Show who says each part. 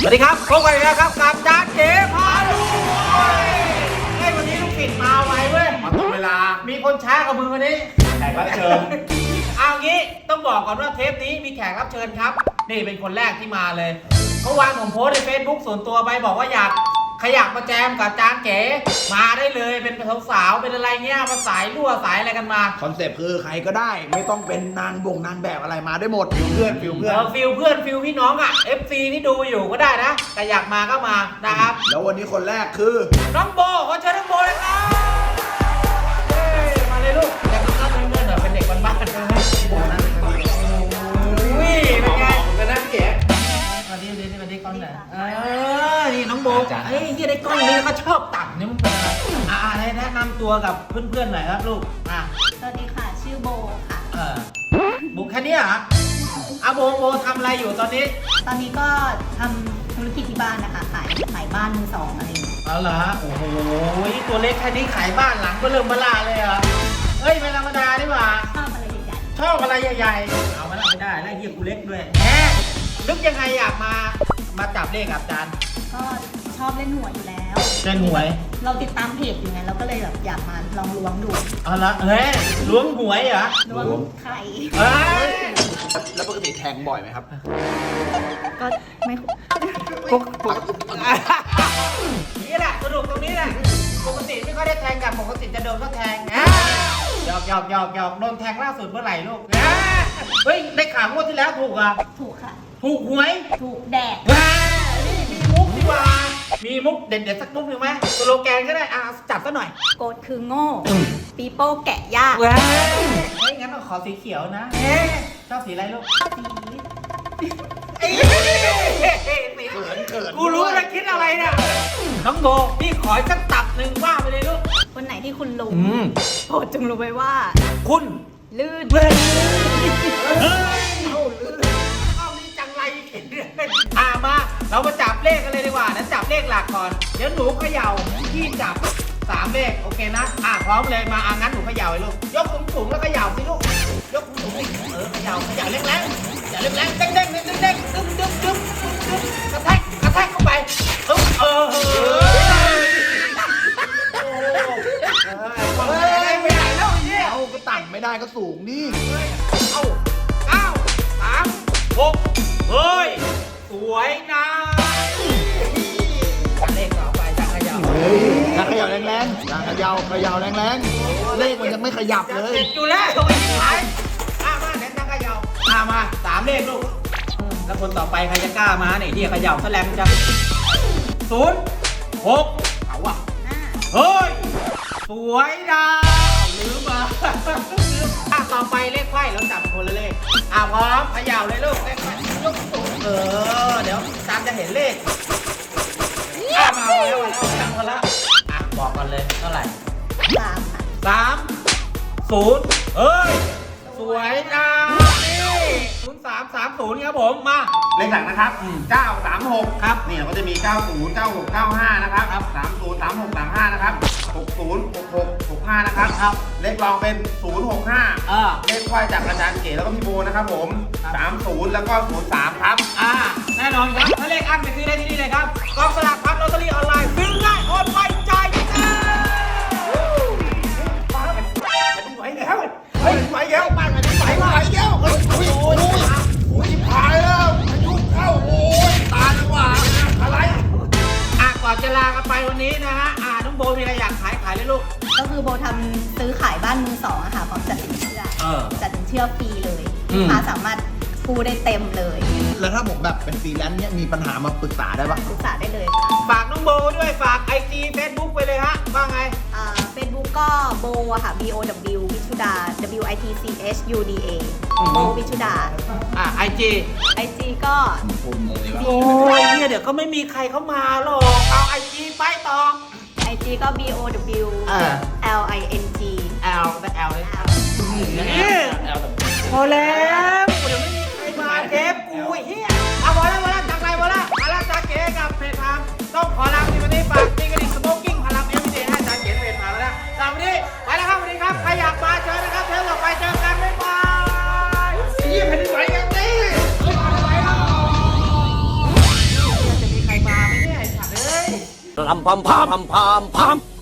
Speaker 1: สวัสดีครับพบกันอีกแล้วครับกับจานเก๋พาลุยวันนี้ลูกศิษย์มาไวเว้ย
Speaker 2: มาตรงเวลา
Speaker 1: มีคนช้ากับมึงวันนี้
Speaker 2: แขกรับเชิญ
Speaker 1: เอางี้ต้องบอกก่อนว่าเทปนี้มีแขกรับเชิญครับนี่เป็นคนแรกที่มาเลยเมื่อวานผมโพสใน Facebook ส่วนตัวไปบอกว่าอยากมาแจมกับจานเก๋มาได้เลยเป็นสาวๆเป็นอะไรเงี้ยมาสายรั่วสายอะไรกันมา
Speaker 2: คอนเซปต์คือใครก็ได้ไม่ต้องเป็นนางแบบอะไรมาได้หมดฟิลเพื่อน
Speaker 1: ฟิลพี่น้องอ่ะ FC ที่ดูอยู่ก็ได้นะแต่อยากมาก็มานะครับ
Speaker 2: แล้ววันนี้คนแรกคือ
Speaker 1: น้องโบขอเชิญน้องโบเลยครับมาเลยลูกอยากรับเงินเป็นเด็กบ้านๆนะอุ้ยเป็นไง
Speaker 2: กันนะแก
Speaker 1: มาดีกล้องไหนนี่น้องโบเฮ้ยที่ได้กล้องนี้ก็ชอบตัดนี่มึงเป็นอะไรแนะนำตัวกับเพื่อนๆหน่อยครับลูก
Speaker 3: สวัสดีค่ะชื่อโบค่ะ
Speaker 1: บุกแค่นี้เหรอโบทำอะไรอยู่ตอนนี้
Speaker 3: ก็ทำธุรกิจที่บ้านนะคะขายบ้านมือสองอะไรอย่างเงี้ย
Speaker 1: เอาเหรอโอ้โหตัวเล็กแค่นี้ขายบ้านหลังก็เริ่มบลาเลยเหรอเฮ้ยไม่ธรรมดาดิว่า
Speaker 3: ชอบอะไรใหญ่
Speaker 1: ๆเอาไม่ได้แล้วเฮียกูเล็กด้วยนึกยังไงอยากมาจับเลขกับอาจารย์
Speaker 3: ก็ชอบเล่นหวยอยู่แล้ว
Speaker 1: เล่นหวย
Speaker 3: เราติดตามเพจอยู่ไงเราก็เลยแบบอยากมาลองล้วงดู
Speaker 1: เอาละล้วงหวยเหรอ
Speaker 3: ล้วงไข่
Speaker 2: แล้วปกติแทงบ่อยไหมครับ
Speaker 3: ก็ไม่
Speaker 1: นี่แหละสนุกตรงนี้แหละปกติไม่ค่อยได้แทงกันปกติจะโดนก็แทงหยอกโดนแทงล่าสุดเมื่อไหร่ลูกเฮ้ยได้ข่าวงวดที่แล้วถูกอ่ะ
Speaker 3: ถูกค่ะ
Speaker 1: ถูกหวย
Speaker 3: ถูกแดก
Speaker 1: นี่มีมุกดีกว่ามีมุกเด็ดๆสักมุกหนึ่งไหมสโลแกนก็ได้จับซะหน่อย
Speaker 3: โกดคือโง่ปีโป้แกะยาก
Speaker 1: เฮ้ยงั้นเราขอสีเขียวนะชอบสีอะไรลูกกูรู้แล้วคิดอะไรเนี่ยน้องโบพี่ขอสักตับหนึ่งว่าไปเลยลูก
Speaker 3: วันไหนที่คุณรู้โปรดจงรู้ไว้ว่า
Speaker 1: คุณ
Speaker 3: ลื่น
Speaker 1: เอานี่จังไรเห็นเรื่องมาเรามาจับเลขกันเลยดีกว่านะจับเลขหลักก่อนเดี๋ยวหนูเขย่าพี่จับ3 เลขโอเคนะพร้อมเลยมางั้นหนูเขย่าเลยลูกยกสูงแล้วเขย่าสิลูกยกสูงเขย่าแรงอย่าแรงเด้งดึ๊บกระแทกเข้าไปไม่ได้แล้วเนี่ย
Speaker 2: เอาก็ต่ำไม่ได้ก็สูงดิ
Speaker 1: 9 3 6เฮ้ยสวยนะเลขต่อไปจังเขย่า
Speaker 2: แรงๆเขย่าแรงๆเลขมันยังไม่ขยับเลย
Speaker 1: อยู่แล้วตรงนี้ขายมาเน้นจังเขย่ามา3 เลขลูกแล้วคนต่อไปใครจะกล้ามาเนี่ยที่เขย่าแสลมจะ0 6เอาว่ะเฮ้ยสวยนะลืมต่อไปเลขไขว้แล้วจับคนละเลขพร้อมเขย่าเลยลูกเลขไขว้ยกสูงเดี๋ยวตามจะเห็นเลขมาแล้วจับคนละบอกกันเลยเท่าไหร่3 0เฮ้ยสวยนะ0330ครับผมมา
Speaker 2: เลขหลักนะครับ936
Speaker 1: ครับ
Speaker 2: นี่เราก็จะมี90 96 95นะครับ30 36 35นะครับ60 66 65นะครับเลขรองเป็น065เลขควายจากอาจารย์เก๋แล้วก็พี่โบนะครับผม30แล้วก็03ครับ
Speaker 1: แน่นอนครับถ้าเลขอั้นไปซื้อได้ที่นี่เลยครับกองสลากพัดลอตเตอรี่ออนไลน์ซื้อง่ายโอนไวจ่ายง่าย
Speaker 2: ไหวแล้วบ้านมันไหวแล้วโอ้ยหายแล้วอายุเข้าโอ้ยตาละว่าอะไร
Speaker 1: ก่อนจะลากันไปวันนี้นะฮะน้องโบมีอะไรอยากขายเลยลูก
Speaker 3: ก็คือโบทำซื้อขายบ้านมือสองค่ะพร้อมจัดสินเชื่อฟรีเลยลูกค้าสามารถกู้ได้เต็มเลย
Speaker 2: แล้วถ้าผมแบบเป็นฟรีแลนซ์เนี่ยมีปัญหามาปรึกษาได้ปะ
Speaker 3: ปรึกษาได้เลยค่ะ
Speaker 1: ฝากน้องโบด้วยฝาก IG Facebook ไปเลยฮะว่าไง
Speaker 3: Facebook ก็โบค่ะ BOW วิชุดา WITCHUDA โบวิชุดาIG ก็
Speaker 1: โอ้ยเนี่ยเดี๋ยวก็ไม่มีใครเข้ามาหรอกเอา IG ไปต่อ
Speaker 3: IG ก็ BOW LING
Speaker 1: L แต่ L เลยพอแล้วเดี๋ยวไม่มีใครมาเทปกูเฮียพอแล้วจากไรมาแล้วจากเก๋กับเพจทางต้องขอลาในวันนี้ฝากตีกระดิ่งสโมกกิ้งพลังMVDให้จากเก๋เพจมาแล้วนะสำหรับวันนี้ไปแล้วครับสวัสดีครับใครอยากมาเชิญนะครับเชิญต่อไปเจอกันบ๊ายบายเฮียแผ่นดินไหวกันดิ
Speaker 4: Ram pam pam pam pam pam.